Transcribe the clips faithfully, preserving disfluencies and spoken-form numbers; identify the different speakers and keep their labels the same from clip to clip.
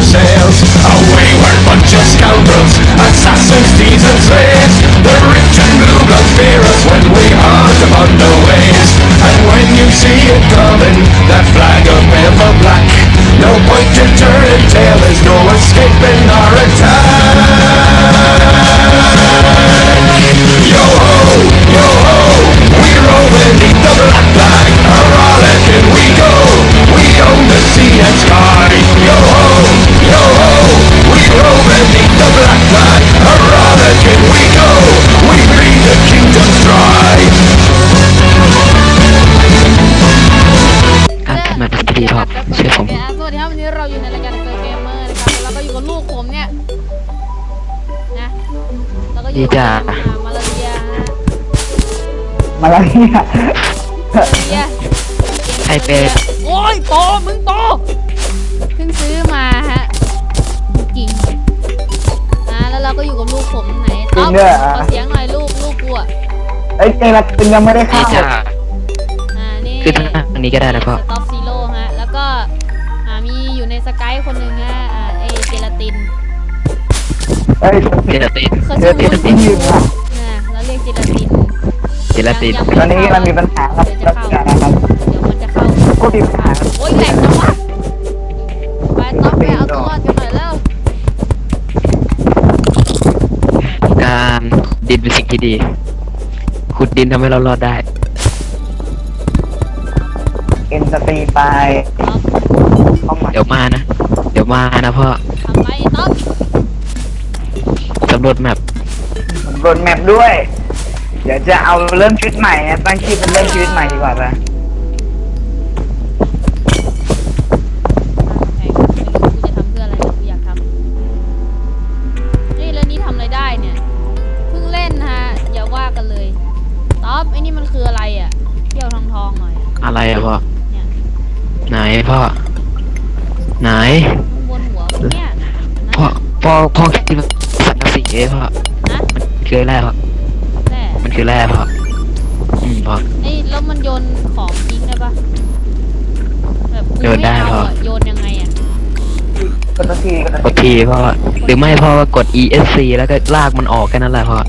Speaker 1: sails. A wayward bunch of scoundrels, assassins, thieves and slaves. The rich and blue bloods fear us when we hunt upon the ways. And when you see it coming, that flag of Belva black, no point to turn and tail, there's no escaping our attack. Yo ho, yo ho, we roll beneath the black flag. A rollicking we go, we own the sea and sky. Yo ho, yo ho, we roll beneath the black flag. A rollicking we go, we bleed the kingdoms dry.
Speaker 2: การทำมาเป็นดีพอเชื่อผม
Speaker 3: สวัสดีครับวันนี้เราอยู่ในรายการเซอร์เกมเมอร์นะครับแล้วก็อยู่กับลูกผมเนี่ยนะแล้วก็อยู่กับมาลาเรียฮะ
Speaker 4: มาแล้วเนี่ย
Speaker 3: มาลาเรีย
Speaker 2: ไอเป็ด
Speaker 3: โอ้ยโตมึงโตเพิ่งซื้อมาฮะจริงนะแล้วเราก็อยู่กับลูกผมไหนต๊อบขอเสียงหน่อยลูกลูกกูอ่ะ
Speaker 4: เอ้ยเจรัตตินยังไม่ได้
Speaker 2: นี่
Speaker 4: เข้า
Speaker 2: จ้า
Speaker 3: อ่านี่
Speaker 2: คือทางนี้ก็ได้นะพ่อ
Speaker 3: สต็อปซีโร่ฮะแล้วก็อ่ามีอยู่ในสกายคนหนึ่งฮะอ่าไอเจลาติน
Speaker 4: เอ้ย
Speaker 2: เจลาติน
Speaker 3: เขา
Speaker 4: เจ
Speaker 3: ชื่อ
Speaker 4: รัตติ
Speaker 3: วุ้
Speaker 4: น
Speaker 3: น
Speaker 4: ยืนอ่ะ
Speaker 3: นะเราเรียกเจลาติน
Speaker 2: เจลาติน
Speaker 4: ตอนนี้มันมีปัญหาครับ
Speaker 3: เดี๋ยวจะ
Speaker 4: รับ
Speaker 3: เข้า
Speaker 4: การนะครับ
Speaker 3: เดี๋ยวมันจะเข้า
Speaker 4: ผู้มีปัญหา
Speaker 3: โอ้ยแหลกจังวะไปต๊อบไปเอาตัวรอดกันหน่อยแล้ว
Speaker 2: การดินเป็นสิ่งที่ดีขุดดินทำให้เรารอดได้
Speaker 4: เอ็นสตรีไป
Speaker 3: ต๊อบ
Speaker 4: เข้ามา
Speaker 2: เดี๋ยวมานะ เดี๋ยวมานะพ่อ
Speaker 3: ทำไปต๊อบ
Speaker 2: สำรวจแมป
Speaker 4: สำรวจแมปด้วย เดี๋ยวจะเอาเริ่มชีวิตใหม่นะตั้งชื่อเป็นเริ่มชีวิตใหม่ดีกว่าป่ะ
Speaker 3: แม่งไม่รู้กูจะทำเพื่ออะไรแต่กูอยากทำนี่แล้วนี่ทำอะไรได้เนี่ยเพิ่งเล่นฮะอย่าว่ากันเลยต๊อบไอ้นี่มันคืออะไรอ่ะเที่ยวทองทองๆหน่อยอะ
Speaker 2: อะไรอะพ่อ
Speaker 3: เนี่ย
Speaker 2: ไหนพ่อ ไหน
Speaker 3: ข้างบนหัวมึงเนี่ยนะ
Speaker 2: พ่อ พ่อ พ่อคิดว่าสังกะสีเอ้พ่อ
Speaker 3: นะ
Speaker 2: มันคือแร่พ่อ
Speaker 3: แน่
Speaker 2: มันคือแร่พ่อ อืมพ่อ
Speaker 3: ไอ้แล้วมันโยนของทิ้งได้ปะแบบกู
Speaker 2: โยนได้
Speaker 3: ม่เอา
Speaker 2: พ่อ
Speaker 3: อะโยนยังไงอ่ะ
Speaker 4: กดตัวทีกด
Speaker 2: ก
Speaker 4: ตัว
Speaker 2: ด
Speaker 4: ที
Speaker 2: ทีพ่อ หรือไม่พ่อก็กด อี เอส ซี แล้วก็ลากมันออกแค่นั้นแหละพ่อ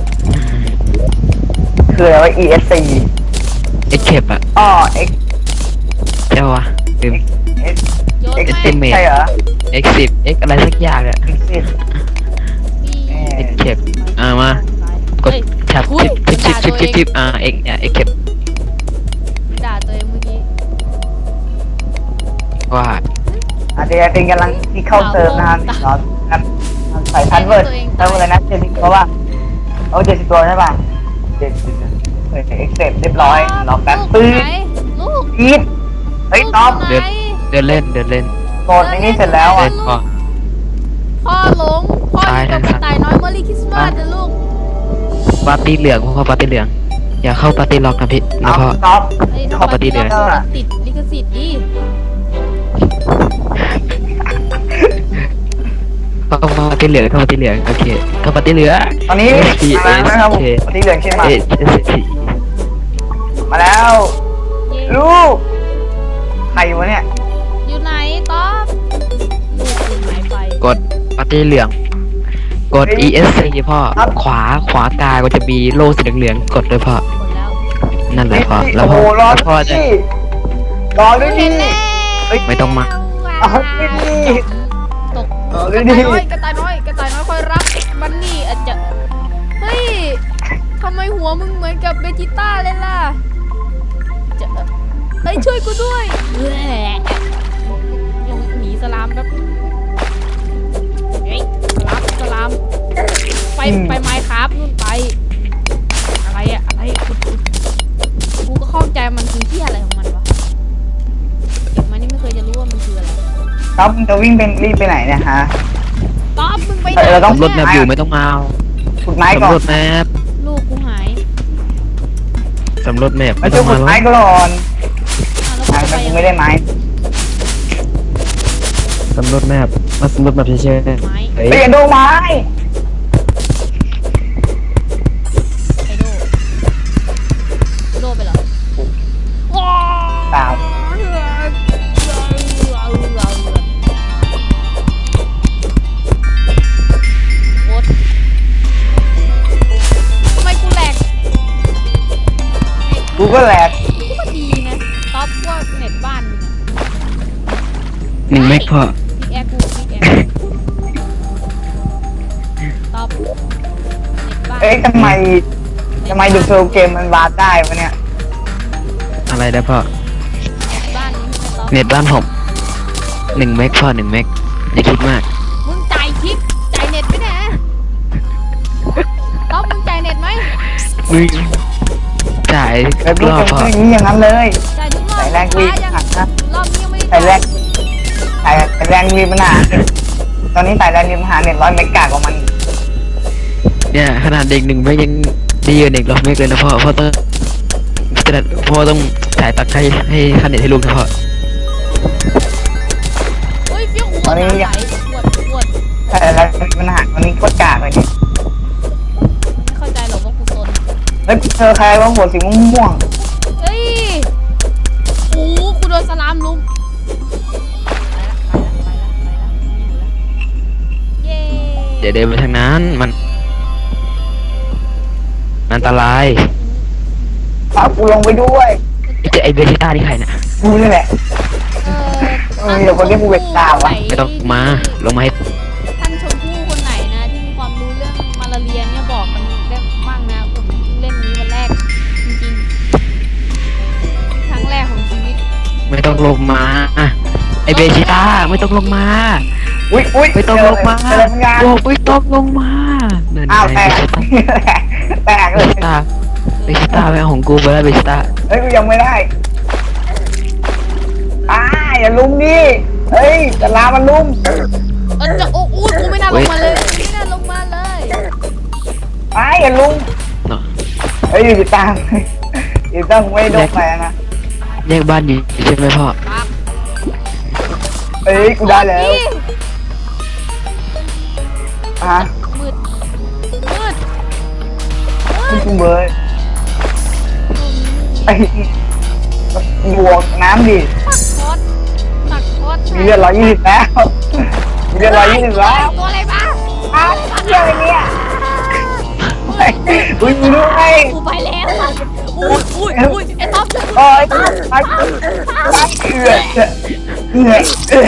Speaker 4: คืออะไรวะ อี เอส ซี
Speaker 2: เอ็กเคปอะ
Speaker 4: อ๋อ X
Speaker 2: ใช่ปะลืม
Speaker 4: X
Speaker 3: โยน
Speaker 4: X
Speaker 3: ไหม
Speaker 2: Estimate
Speaker 4: ใช่เหรอ
Speaker 2: X สิบ X อะไรสักอย่างอะ
Speaker 4: X สิบ
Speaker 3: พี่
Speaker 4: เอ๊ะ
Speaker 2: X เคปอ่ามากด
Speaker 3: เฮ้ย
Speaker 2: แท็บ
Speaker 3: อุ๊ย
Speaker 2: ชิปชิปชิปชิปชิปชิป
Speaker 3: ด่า
Speaker 2: อ่า X เนี่ย X เคป
Speaker 3: ด่าตัวเองเมื่อกี้
Speaker 2: ว่า
Speaker 4: อาจจะเป็นกำลังที่เข้าเซิร์ฟนะครับเนาะครับใส่พันเวิร์ดเซิร์ฟเลยนะเจ็ดสิบเพราะว่าเอาเจ็ดสิบตัวใช่ป่ะเจ็ดสิบเฮ้ยเอ็กเซปเรียบร้อยรอแป๊บปื้
Speaker 3: ลูก
Speaker 4: ด
Speaker 3: ไหนลูก
Speaker 4: อีดเฮ้ยต๊อป
Speaker 3: ลูกไหน
Speaker 2: เดินเล่นเดินเล่น
Speaker 4: โกดในนี้เสร็จแล้ว
Speaker 2: เล่
Speaker 4: อ่ะ
Speaker 2: นพ่อ
Speaker 3: พ่อหลงพ่ออยู่กับกระต่ายน้อยเมอรี่คริสต์มาสนะลูก
Speaker 2: ปาร์ตี้เหลืองพ่อปาร์ตี้เหลือง อย่าเข้าปาร์ตี้ล็อกนะพี่นะ
Speaker 4: เอา
Speaker 2: พ่อ
Speaker 4: ต๊อป
Speaker 3: เฮ้ย
Speaker 2: ขอปฏิเดี๋ยว
Speaker 3: ถ้ามันติดลิขสิทธิ์ดิ
Speaker 2: เข้าปาร์ตี้เหลืองเข้าปาร์ตี้เหลืองโอเคเข้าปาร์ตี้เหลือง
Speaker 4: ตอนนี้
Speaker 2: S P
Speaker 4: มาแล้วนะครับผม
Speaker 2: S K
Speaker 4: สีเหลืองใช่ไหม
Speaker 2: เอส
Speaker 4: มาแล้ว
Speaker 3: เย้
Speaker 4: ลูกใครวะเนี่ย
Speaker 3: อยู่ไหนต๊อบลูกคุณหายไป
Speaker 2: กดปาร์ตี้เหลือง กด อี เอส ซี พ่อ ขวาขวากายก็จะมีโล่สีเหลืองๆกดด้วยพ่อ
Speaker 3: กดแล้ว
Speaker 2: นั่นแหละพ่อ แล้
Speaker 4: โอ้
Speaker 2: ว
Speaker 4: โห
Speaker 2: พ่อ
Speaker 4: รอ
Speaker 2: แล้วพ่อจะ
Speaker 4: ที่รอด้วย
Speaker 3: เห็
Speaker 4: ดิ
Speaker 3: นแล้ว
Speaker 4: เฮ้ย
Speaker 2: ไม่ต้องมา
Speaker 4: เอาด้วยดิ
Speaker 3: ตก
Speaker 4: เอา
Speaker 3: ก
Speaker 4: ด้ว
Speaker 3: ระ
Speaker 4: ยดิ
Speaker 3: ต่ายน้อยกระต่ายน้อยกระต่ายน้อยคอยรักบันนี่อาจจะเฮ้ยทำไมหัวมึงเหมือนกับเบจิต้าเลยล่ะจะเฮ้ยช่วยกูด้วยแหละหนีสลามแป๊บเฮ้ยสลามสลามไปไปไม้ครับนู่นไปอะไรอะอะไรกูกูก็ข้องใจมันคือที่อะไรของมันวะเด็กมันนี่ไม่เคยจะรู้ว่ามันคืออะไร
Speaker 4: ต๊อปมึงจะวิ่งเป็นรีบไปไหนเนี่ยฮะ
Speaker 3: ต๊อบมึงไปไหน
Speaker 4: เออเราต้อง
Speaker 2: สำรวจแมปอยู่ไม่ต้องมาเอา
Speaker 4: ขุดไม้ก่อ
Speaker 2: สำ
Speaker 4: น
Speaker 2: รวจแมป
Speaker 3: ลูกกูหาย
Speaker 2: สำรวจแมป
Speaker 4: มา
Speaker 2: ไม่
Speaker 4: ช่
Speaker 2: ต้
Speaker 4: ว
Speaker 2: อย ง
Speaker 4: ขุ
Speaker 2: มา
Speaker 4: ด
Speaker 2: แล้ว
Speaker 4: ไม้ก่อน
Speaker 3: อ่ะแล้ว
Speaker 4: อ่ะ
Speaker 3: กูจะไปยัง
Speaker 4: แต่กูไม่ได้ไม้
Speaker 2: สำรวจแมปมาสำรวจแมปเฉย
Speaker 3: ไม้
Speaker 2: ๆเฮ้ย
Speaker 4: เปลี่ยนดูไม้
Speaker 3: ไอโดโดไปเหรอว้าว
Speaker 4: เปล่ากูก็แหลก
Speaker 3: ก็ดีนะท็อปว่าเน็ตบ้านมึงอะ
Speaker 2: หนึ่งเมกพ่อ
Speaker 3: พี่แอร์กูพี่แอร์ท็อปเน็ตบ้าน
Speaker 4: เอ้ยทำไมทำไมดูโซลเกมมันวาร์ปได้วะเนี่ย
Speaker 2: อะไรได้พ่อ
Speaker 3: บ้านนี้ไม่ท็อป
Speaker 2: เน็ตบ้านผมหนึ่งเมกพ่อหนึ่งเมกอย่าคิดมาก
Speaker 3: มึงจ่ายทิปจ่ายเน็ตไหมเนี่ยท็อปมึงจ่ายเน็ตไหม
Speaker 2: มึงจ่าย
Speaker 4: เอ้ยพูด
Speaker 2: รอบ
Speaker 4: กัน
Speaker 2: พ่อ
Speaker 4: อย่างนี้อย่างนั้นเลย
Speaker 3: จ่ายทุกรอบ
Speaker 4: ใส่แรงวี
Speaker 3: ลูกค้ายัง
Speaker 4: หักนะ
Speaker 3: รอบนี้ยังไม่ได้
Speaker 4: ใส่แร
Speaker 3: จ่าย
Speaker 4: งใส่ใส่แรงมีปัญหาตอนนี้ใส่แรงมีปัญหาเน็ตร้อยเมกะกว่ามันอีก
Speaker 2: เนี่ยขนาดเด็กหนึ่งเมกยังดีกว่าเด็กรอบเมกเลยนะพ่อพ่อต้องจะพ่อต้องจ่ายตังค์ให้ให้ค่าเน็ตให้ลูกนะพ่อ
Speaker 3: เฮ้ยเฟี้ยวหัวน้ำไหลปวดปวด
Speaker 4: ใส่แรงมีปัญหาตอนนี้โคตรกากเลยเนี่ย
Speaker 3: ไม่เข้าใจหรอกว่ากูซน
Speaker 4: เฮ้ยเจอใครว่าหัวสีม่วง
Speaker 3: เฮ้ยโอ้โหกูโดนสลามลุมไปละไปละไปละไปละไม่อยู่ละเย้
Speaker 2: เดี๋ยวเดินไปทางนั้นมันอันตราย
Speaker 4: ๆพากูลงไปด้วย
Speaker 2: ไอ้เจไอเบจิต้านี่ใครเนี่ย
Speaker 4: กูนี่แหละ
Speaker 3: เออ
Speaker 4: เออเดี๋ยวคนที่กูเวทตามวะ
Speaker 2: ไม่ต้องมาลงมาให้
Speaker 3: ท่านชมพู่คนไหนนะที่มีความรู้เรื่องมาลาเรียเนี่ยบอกมันได้มั่งนะผมเล่นนี้วันแรกจริงๆครั้งแรกของชีวิต
Speaker 2: ไม่ต้องลงมาอะไอเบจิต้าไม่ต้องลงมา
Speaker 4: อุ้ยอุ้ย
Speaker 2: ไม่ต้องลงมา
Speaker 4: เจออะไรบางอย่าง
Speaker 2: บอกไม่ต้องลงมานั่นไง
Speaker 4: อ้าวแตก แตก
Speaker 2: เบ
Speaker 4: เลย
Speaker 2: จิต้าเบจิต้าแม่ของกูไปแล้วเบจิต้า
Speaker 4: เฮ้ยกูยังไม่ได้อ้าอย่าลุมดิเฮ้ยจะลามันลุม
Speaker 3: เออจะโอ้โหกูไม่น่าลงมาเลยไม่น่าลงมาเลย
Speaker 4: อ้าอย่าลุม
Speaker 2: เนาะ
Speaker 4: เฮ้ยอยู่ตามอยู่ต้องไม่โดนแฟนนะ
Speaker 2: แยกบ้านอยู่ใช่ไหมพ่อ
Speaker 3: ปั๊บ
Speaker 4: เฮ้ยกูได้แล้ว
Speaker 3: นี่
Speaker 4: อ่ะ
Speaker 3: มืดมืด
Speaker 4: คุณคุณเบิร์ดไอ้บวกน้ำดิ
Speaker 3: ตักคอสตักคอส
Speaker 4: มีเลือดร้อยยี่สิบแล้วมีเลือดร้อยยี่สิบแล้ว
Speaker 3: ตัวอะไรบ้า
Speaker 4: อ้าวเรื่องอะไรเนี่ยเฮ้ยอุ้ยมีด้วย
Speaker 3: กูไปแล้วอุ้ยอุ้ยอุ้ยไอ้ท็อป
Speaker 4: โอ้ยตายตายเอือดเอือดเอือด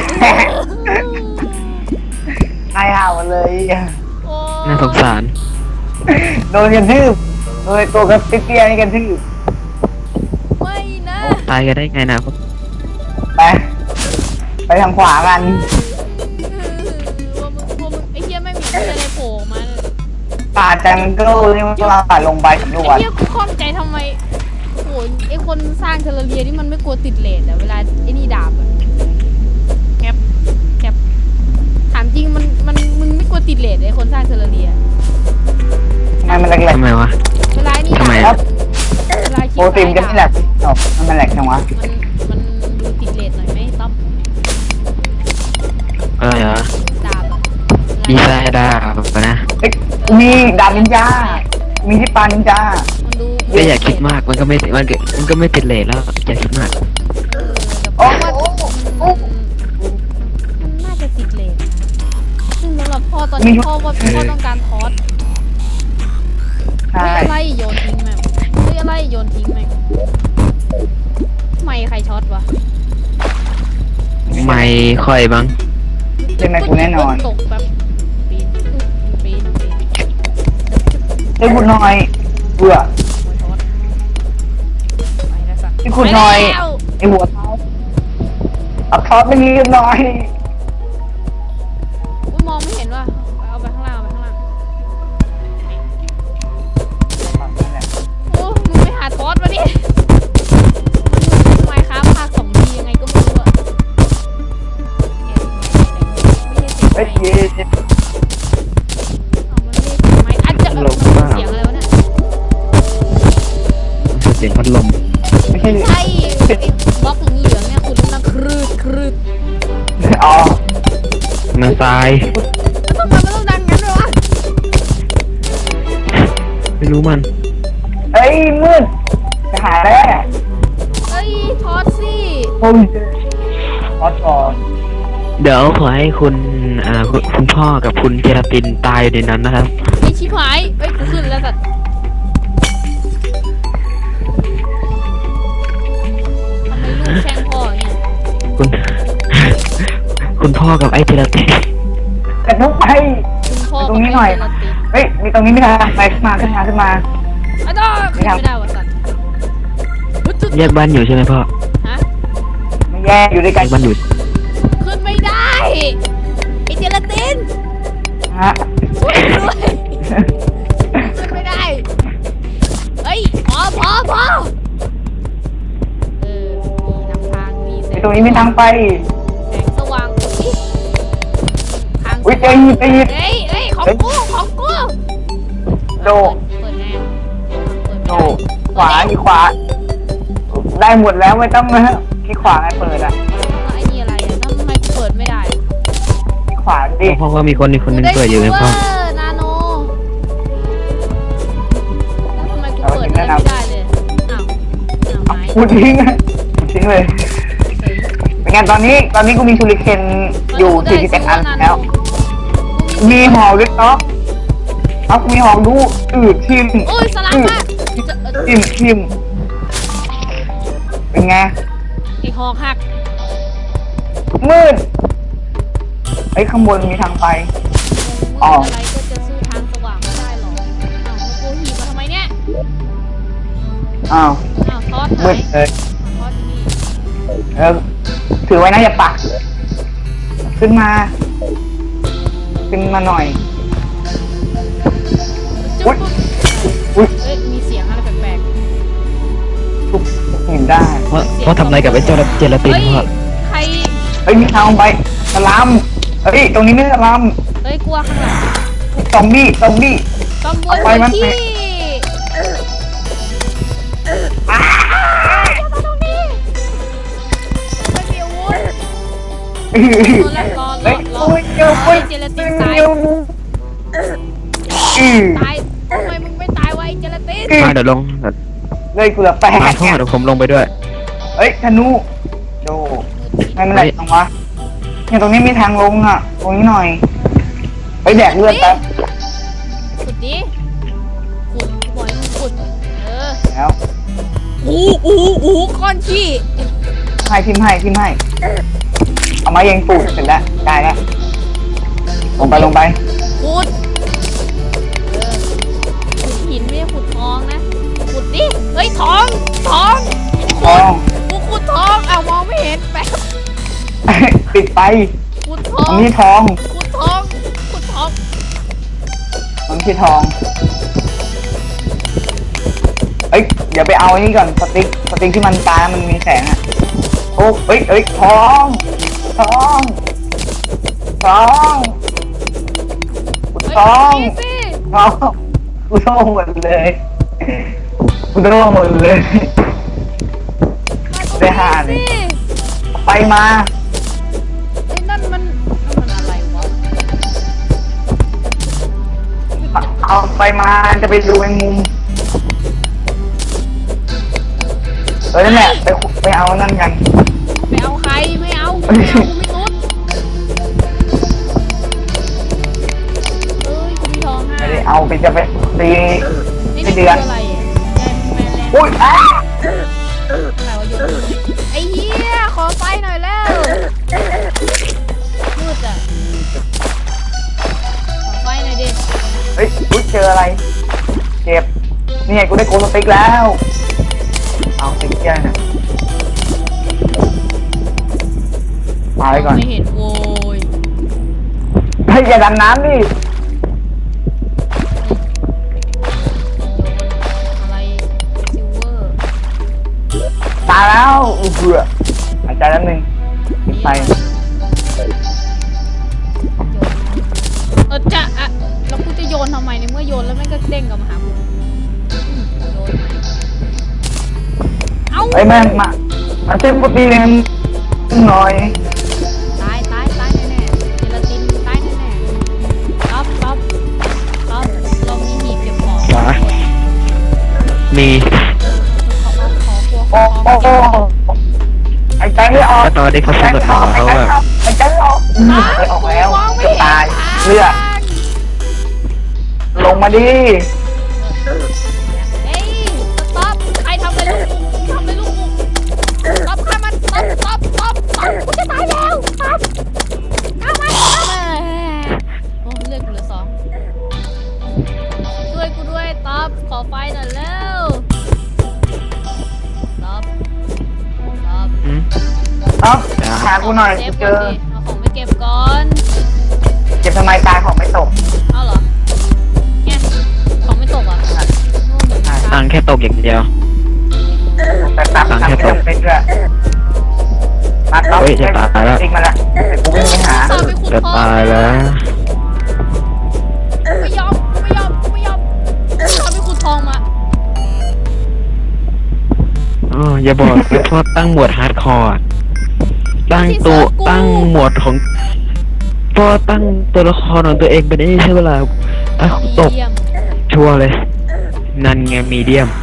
Speaker 4: ตายห่าหมดเลย
Speaker 3: โอ้
Speaker 2: น่าสงสาร
Speaker 4: โดนกระทืบโดยตัวกระติ๊กเตี้ยนี่กระทืบ
Speaker 3: ไม่นะ
Speaker 2: ตายกันได้ไงนะพ่อ
Speaker 4: ไป ไปทางขวากัน
Speaker 3: พวกมึงพวกมึงไอ้เหี้ยไม่มีอะไรโผล่ออกมาเลย
Speaker 4: ป่าจังเกิลนี่มันเราลงไปสำรว
Speaker 3: ไอ้
Speaker 4: จ
Speaker 3: เหี้ยกูข้องใจทำไมโอ้ยไอ้คนสร้างเทเลเรียนี่มันไม่กลัวติดเลทอะเวลาไอ้นี่ดาบอะแคปแคปถามจริงมันมันมึงไม่กลัวติดเลทไอ้คนสร้างเทเลเรีย
Speaker 4: ทำไมมันแหลก
Speaker 2: ทำไมวะ
Speaker 3: เวลาไอ้นี่
Speaker 2: ทำไม
Speaker 3: ดา
Speaker 2: อะ
Speaker 3: บเวลาคลิ
Speaker 4: ๆโปรตีนจะไม่แหลกอ๋อมันแหลกจังวะ
Speaker 3: มันมันดูติดเลทหน่อยไหมต๊อบ
Speaker 2: อะไรเหรอ
Speaker 3: ดาบอะ
Speaker 2: ดีไซน์ดาบนะ
Speaker 4: เอ้ยมีดาบนินจา มีที่ปานินจา
Speaker 3: มันดู
Speaker 2: ก็อย่าคิดมากมันก็ไม่มันก็มันก็ไม่ติดเลทแล้วอย่าคิดมาก
Speaker 3: เออแต่
Speaker 4: โอ้
Speaker 3: ว่า
Speaker 4: โห
Speaker 3: มันน่าจะติดเลทนะซึ่งสำหรับพ่อตอนนี้พ่อว่าพ่อต้องการทอส
Speaker 4: ใช่
Speaker 3: เฮ้ยอะไรโยนทิ้งแม่งเฮ้ยอะไรโยนทิ้งแม่งไม่ใครช็อตวะ
Speaker 2: ไม่ค่อยบ้าง
Speaker 4: เป็นไงกูแน่นอน
Speaker 3: ตกแบบปีนปีนปีน
Speaker 4: เฮ้ยคุณหน่อยเบื่อ
Speaker 3: หัวช็อตไปแล้วสัตว์
Speaker 4: ที่คุณหน่อย
Speaker 3: ไปแล้ว
Speaker 4: ไอหัวเท้าเอาทอดไม่มีกันหน่อย
Speaker 3: อุ๊ยมองไม่เห็นว่ะเอาไปข้างล่างเอาไปข้างล่างโอ้มึงไปหาทอสมาดิมันไมค์ครับภาคสองดียังไงก็ไม่รู้อะไม่ใช่
Speaker 4: เฮ้ย
Speaker 3: เสียง
Speaker 4: เย้
Speaker 3: เอามันไม่ใช่เสียงไมค์อาจจะมันเสียงอะไรวะเนี่ย
Speaker 2: เสียงพัดลม
Speaker 4: ไม่ใช่
Speaker 3: ใช่ไอ้บล็อกเหลืองๆเนี่ยคุณนั่งครืดครืด
Speaker 4: อ๋อ
Speaker 2: มันตาย
Speaker 3: แล้วทำไมมันต้องดังงั้นด้วยวะ
Speaker 2: ไม่รู้มัน
Speaker 4: เฮ้ยมืดไปหาแล้ว
Speaker 3: เอ้ยทอดสิ
Speaker 4: โอ้ยทอดก่อน
Speaker 2: เดี๋ยวขอให้คุณอ่าคุณคุณพ่อกับคุณเจลาตินตายอยู่ในนั้นนะครับ
Speaker 3: ไอชิบหายเอ้ยกูขึ้นแล้วสัตว์
Speaker 2: พ่อกับไอ้เจลาติน
Speaker 4: กระทุกไป
Speaker 3: คุณพ่อ
Speaker 4: ตรงนี้หน่อย
Speaker 3: เจลาติน
Speaker 4: เฮ้ยมีตรงนี้มีทางไปขึ้นมาขึ้นมาขึ้นมา
Speaker 3: อ่ะดอกขึ้นไม่ได้วะสัตว์อุ๊ยจุด
Speaker 2: แยกบ้านอยู่ใช่ไหมพ่อ
Speaker 3: ฮะ
Speaker 4: ไม่แย่อยู่ด้วย
Speaker 2: แย
Speaker 4: กัน
Speaker 2: กบ้านอยู่
Speaker 3: ขึ้นไม่ได้ไอเจลาติน
Speaker 4: ฮะ
Speaker 3: ช่วยด้วยขึ้นไม่ได้เฮ้ยพอพอพอเออมีนำทางมีแส
Speaker 4: ไอ้
Speaker 3: ง
Speaker 4: ตรงนี้มีทางไป
Speaker 3: แสงสว่างตรงนี้ทาง
Speaker 4: อุ้ยเจอหินเจอหิน
Speaker 3: เฮ้ยเฮ้ยของกูของกู
Speaker 4: โด
Speaker 3: เปิดแน่เปิด
Speaker 4: โด
Speaker 3: ไม่ได้
Speaker 4: ขวาอีกขวา ได้หมดแล้วไม่ต้องนะที่ขวาไงเปิดอ่ะ
Speaker 3: แล้วไอ้นี่อะไรอ่ะทำไมกูเปิดไม่ได้
Speaker 4: ที่ขวาดิ
Speaker 2: พ่อก็มีคนอีกคนนึงเปิดอยู่ไง
Speaker 3: กู
Speaker 2: พ่อ
Speaker 3: ได้ซิลเวอร์นาโนแล้วทำไมกูเปิดอะไรไม่ได้เลยอ้าวอ้าวไม้
Speaker 4: พูดทิ้งอะพูดทิ้งเลย เป็นไงตอนนี้ตอนนี้กูมีชูริเคนอยู่สี่สิบเอ็ดอันแล้ว มีหอกด้วยเนาะเอากูมีหอกดูอืดทิม
Speaker 3: โอ้ยสลับ
Speaker 4: อืด
Speaker 3: อะจะเออ
Speaker 4: ทิมทิมเป็นไง
Speaker 3: ไอ้หอกหัก
Speaker 4: มืดไอ้ยข้างบนมีทางไป อ๋อ
Speaker 3: อะไรก็จะสู้ทางสว่างไม่ได้หรอกอ้าวแล้วกูหีบมาทำไมเนี่ย
Speaker 4: อ้าว
Speaker 3: อ้าวทอดไหน
Speaker 4: มืดเลย
Speaker 3: ทอดที่นี่
Speaker 4: เออถือไว้นะอย่าปัก ขึ้นมา ขึ้นมาหน่อย
Speaker 3: จุ๊
Speaker 4: อุ๊
Speaker 3: บ
Speaker 4: ย อุ๊ย
Speaker 3: เอ้ยมีเสียงอะไรแปลก
Speaker 4: ทุบเห็นได้
Speaker 2: พ่อพ่อทำอะไรกับไอ้เจลาเจลา
Speaker 3: ๆ
Speaker 2: ติน
Speaker 3: เฮ้ย
Speaker 2: พ่อ
Speaker 3: ใคร
Speaker 4: เฮ้ยมีทางลงไปสลามเฮ้ยตรงนี้ไม่สลาม
Speaker 3: เฮ้ยกลัวข้างหลัง
Speaker 4: ซอมบี้ซอมบี้
Speaker 3: ตำรวจ
Speaker 4: เอาไปมัน
Speaker 3: ที่
Speaker 4: อ้า
Speaker 3: มาตรงนี้ไม่มีอาวุธ
Speaker 4: เฮ้ย
Speaker 3: รอแล้วรอร
Speaker 4: เฮ้
Speaker 3: อย รอ
Speaker 4: โอ้ยเจอ
Speaker 3: เฮ้ยเจลาตินตาย
Speaker 4: อือ
Speaker 3: ตายทำไมมึงไม่ตายวะไอ้เจลาติน
Speaker 2: มาเดี๋ยวลงเดี๋ยว
Speaker 4: เลยกูเหลือแปด
Speaker 2: มาพ่อเดี๋ยวผมลงไปด้วย
Speaker 4: เฮ้ยธนูโจไม่เป็นไรตรงวะเนี่ยตรงนี้มีทางลงอ่ะ ตรงนี้หน่อยไปแดกเลือดแป๊บ
Speaker 3: ขุดดิขุดบ่อยมึงขุดเออ
Speaker 4: แล้ว
Speaker 3: อู้อู้อู้ก้อนขี้
Speaker 4: ให้ทิมให้ทิมให้เอามาเยังปูดเสร็จแล้วได้แล้วลงไปลงไป
Speaker 3: ขุดเออขุดหินไม่ใช่ขุดทองนะขุดดิเฮ้ยทองทอง
Speaker 4: ทอง
Speaker 3: กูขุดทองอ้าวมองไม่เห็นแป๊บ
Speaker 4: ปิดไป
Speaker 3: ขุดทอ
Speaker 4: มั
Speaker 3: ง
Speaker 4: นนี่ทอง
Speaker 3: ขุดทองขุดทอง
Speaker 4: มันคือทองเอ้ยเดี๋ยวไปเอาอันนี้ก่อนสติ๊กสติ๊กที่มันตามันมีแสงอ่ะโอ้เอ้ยเอ้ยทองทองทองขุด
Speaker 3: เฮ้ย
Speaker 4: ทอง
Speaker 3: นี่สิ
Speaker 4: ทองกูโดนหมดเลยกูโดนหมดเลย
Speaker 3: มาตรง
Speaker 4: ได้ห้า
Speaker 3: นี้
Speaker 4: เลย
Speaker 3: สิ
Speaker 4: ไปมา
Speaker 3: ไอ้นั่นมันนั่นมันอะไรวะ
Speaker 4: เอาไปมาจะไปดูแมงมุมเออนั่นแหละไปขุดไปเอานั่นกัน
Speaker 3: ไปเอาใครไม่เอาไม่เอากูไม่นุดเอ้ยกูมีทองห้า
Speaker 4: ไม่ได้เอาไปจะไปตี
Speaker 3: นี่
Speaker 4: ไม่
Speaker 3: นี่คือ
Speaker 4: เดือน
Speaker 3: อะไรอ่ะแกแมนแลนด์
Speaker 4: อุ้ยอ้า
Speaker 3: อะไรวะโยนไอ้เหี้ยขอไฟหน่อยแล้วมืดอ่ะขอไฟหน่อยดิ
Speaker 4: เฮ้ยอุ้ยเจออะไรเจ็บนี่ไงกูได้โกลสติ๊กแล้ว เอาติ๊กแค่น่ะมาไว้ก่อน
Speaker 3: ไม่เห็นโว้ย
Speaker 4: เฮ้ยอย่าดันน้ำดิ
Speaker 3: โยนอะไรซิลเวอร์
Speaker 4: ตายแล้วอู้เบื่อหายใจแล้วนึงปิดไฟ
Speaker 3: เออจะอะแล้วกูจะโยนทำไมในเมื่อโยนแล้วแม่งก็เด้งกลับมาหากูอืมโยนใหม่เอ้า
Speaker 4: เฮ้ยแม่งมามาเช็คกูตีเองหน่อย
Speaker 3: ตายตายตายแน่ๆเจลาตินตายแน่ๆต๊อบต๊อบต๊อบเรามีหีบเก็บของ
Speaker 2: จ๋า มี
Speaker 3: ขอขอขอกลัวข
Speaker 4: โอ้
Speaker 3: อ
Speaker 4: โอ้โอ้หายใจไม่ออก
Speaker 2: ก็ตอนที่เขา
Speaker 4: หาย
Speaker 2: สำรวจ
Speaker 4: ใจ
Speaker 2: ข
Speaker 4: อ
Speaker 2: อ
Speaker 4: อง ก
Speaker 2: เขา
Speaker 4: หายใจ
Speaker 2: อะ
Speaker 4: ออกหายใจออกอืมหายใจออกแล้ว
Speaker 3: มองไม่
Speaker 4: จะ
Speaker 3: เห็น
Speaker 4: ตาย
Speaker 3: ทาง
Speaker 4: เลือดลงมาดิ
Speaker 3: เอ้ยต๊อบใครทำอะไรลูกกูทำอะไรลูกกูต๊อบฆ่ามันต๊อบต๊อบต๊อบต๊อบกูจะตายแล้วต๊อบ
Speaker 4: ท็อปหากูหน่อย
Speaker 3: เซ
Speaker 4: กู
Speaker 3: ฟ
Speaker 4: เจ
Speaker 3: ก่อน
Speaker 4: อ
Speaker 3: ดิเอาของไปเก็บก่อน
Speaker 4: เก็บทำไมตายของไม่ตก
Speaker 3: เอาเหรอเนี่ยของไม่ตกอ่ะโง่เหมือนกัน
Speaker 2: ตังค์แค่ตกอย่างเดียว
Speaker 4: แต่ตับ
Speaker 2: ตังค์
Speaker 4: ทำ
Speaker 2: แค่
Speaker 4: ไม่
Speaker 2: ต
Speaker 4: ต้อก งเป็นด้วยมาท็อป
Speaker 2: เฮ้ยจะตายแล้ว
Speaker 4: ติ๊กมาละเดี๋ยวกูวิ่งไปหา
Speaker 3: เอาไปขุด
Speaker 2: จะ
Speaker 3: ทอง
Speaker 2: ตายแล้ว
Speaker 3: กูไม่ยอมกูไม่ยอมกูไม่ยอมเอาไปขุดทองมา
Speaker 2: อ๋ออย่าบอกเลยพ่อตั้งหมวดฮาร์ดคอร์ตั้งตัวตั้งหมวดของพ่อตั้งตัวละครของตัวเองเป็นไอ้นี่ใช่เวลาอ่ะตก
Speaker 3: เยี่ยม
Speaker 2: ชัวร์เลย นั่นไงมีเดียม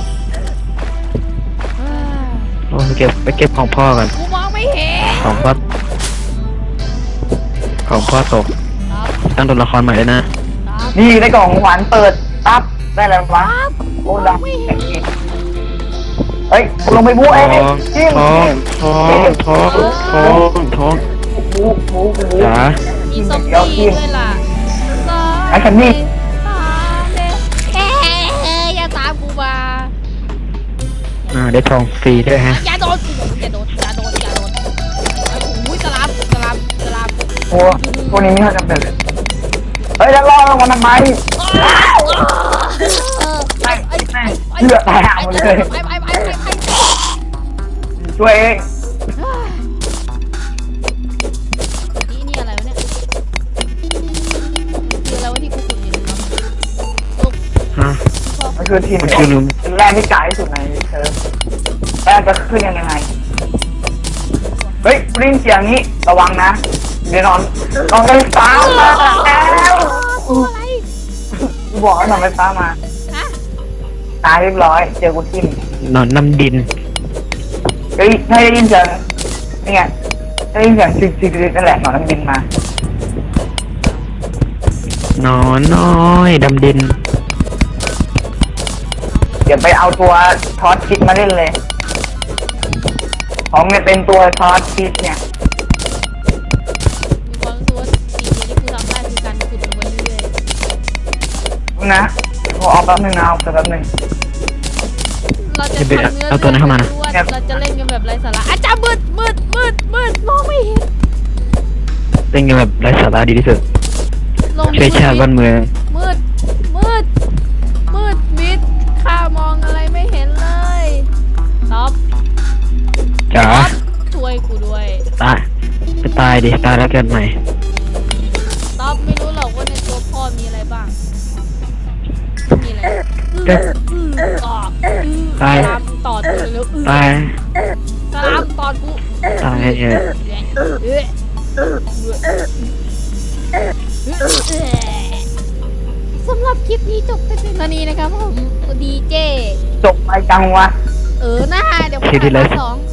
Speaker 3: เอ้ย
Speaker 2: โอ้ไปเก็บไปเก็บของพ่อกัน
Speaker 3: กูมองไม่เห็น
Speaker 2: ของพ่อของพ่อตก
Speaker 3: ครับ
Speaker 2: ตั้งตัวละครใหม่เลยนะ
Speaker 3: ครับ
Speaker 4: นี่ได้กล่องหวานเปิดปั๊บได้แล้ววะ
Speaker 3: ครับ
Speaker 4: โอ้ดังเฮ้ยกูลงไปบู๊เอง
Speaker 2: ทอง
Speaker 4: จริง
Speaker 2: ทองทองทองทองทอง
Speaker 4: บู๊บู๊บู๊
Speaker 2: จ๋า
Speaker 3: มีซอมบี้ด้วยล่ะ
Speaker 4: ไอ้คันนี้
Speaker 3: สามเด้เอ๊ะอย่าตามกูมา
Speaker 2: อ่าได้ทองฟรีด้วยฮะ
Speaker 3: อย่าโดนอย่าโดนอย่าโดนอย่าโดนไอ้หูยสลับสลับสลับ
Speaker 4: โอ้พวกนี้ไม่ค่อยจำเป็นเลยเฮ้ยแล้วรอลงมาทำไม
Speaker 3: เออ
Speaker 4: ไอ้
Speaker 3: ไอ้
Speaker 4: แม่
Speaker 3: ไอ้
Speaker 4: เลือดแตกหมดเลย
Speaker 3: ไปไปไปไปไป
Speaker 4: ช่วยเอง
Speaker 3: นี่นี่อะไรวะเนี่ยคืออะไรวะที่กูขุดอยู่นะครับลูก
Speaker 2: ฮะ
Speaker 3: พ่อ
Speaker 4: มันคือทีม
Speaker 2: มันคือลืม
Speaker 4: ทีมแรกที่ไกลที่สุดในเธอแล้วจะขึ้นยังไงเฮ้ยปริ้งเสียงนี้ระวังนะเดี๋ยวนอนนอนไฟฟ้ามาแล้ว
Speaker 3: ตัวอะไร
Speaker 4: กูบอกว่านอนไฟฟ้ามา
Speaker 3: ฮะ
Speaker 4: ตายเรียบร้อยเจอกูทิ่ม
Speaker 2: นอนน้ำดิน
Speaker 4: เฮ้ยให้ได้ยินเสียงนี่ไงได้ยินเสียงจิกจิกจิกนั่นแหละหนอนน้ำบินมา
Speaker 2: นอนน้อยดำดิน
Speaker 4: เดี๋ยวไปเอาตัวทอสคิดมาเล่นเลยของเนี่ยเป็นตัวทอสคิดเนี่ย
Speaker 3: มีความรู้สึกว่าสิ่งเดียวที่กูทำได้คือการขุดลงไปเรื่อย
Speaker 4: นะขอเอาแป๊บนึงนะเอาแป๊บนึง
Speaker 3: ๆเราจะ
Speaker 2: จะไป
Speaker 3: ทำเนื้อ
Speaker 2: เอาตัวนั้นเข้ามานะ
Speaker 3: ล้วนๆเราจะเล่นกันแบบไร้สาระอาจารย์มืดมืดมืดมืดมองไม่เห็น
Speaker 2: เป็นไงแบบไร้สาระดีที่สุด
Speaker 3: ลง
Speaker 2: ช่วยชาติบ้านเมือง
Speaker 3: มืดมืดมืดมิดข้ามองอะไรไม่เห็นเลยท็อป
Speaker 2: จ๋า
Speaker 3: ท็อปช่วยกูด้วย
Speaker 2: ตายไปตายดิ ตายแล้วเกิดใหม่
Speaker 3: ท็อปไม่รู้หรอกว่าในตัวพ่อมีอะไรบ้างมีอะไร
Speaker 2: ก็
Speaker 3: อือออกอือ
Speaker 2: ตาย
Speaker 3: สลามตอดกูเร็วๆอือ
Speaker 2: ตาย
Speaker 3: สลามตอดกู
Speaker 2: ตายเออ
Speaker 3: เอ๊ะสำหรับคลิปนี้จบไปเป็นเท่านี้นะครับผมดีเจ
Speaker 4: จบไปจังวะ
Speaker 3: เออหน้าเดี๋ยว
Speaker 2: คลิปที่แล้ว
Speaker 3: สอง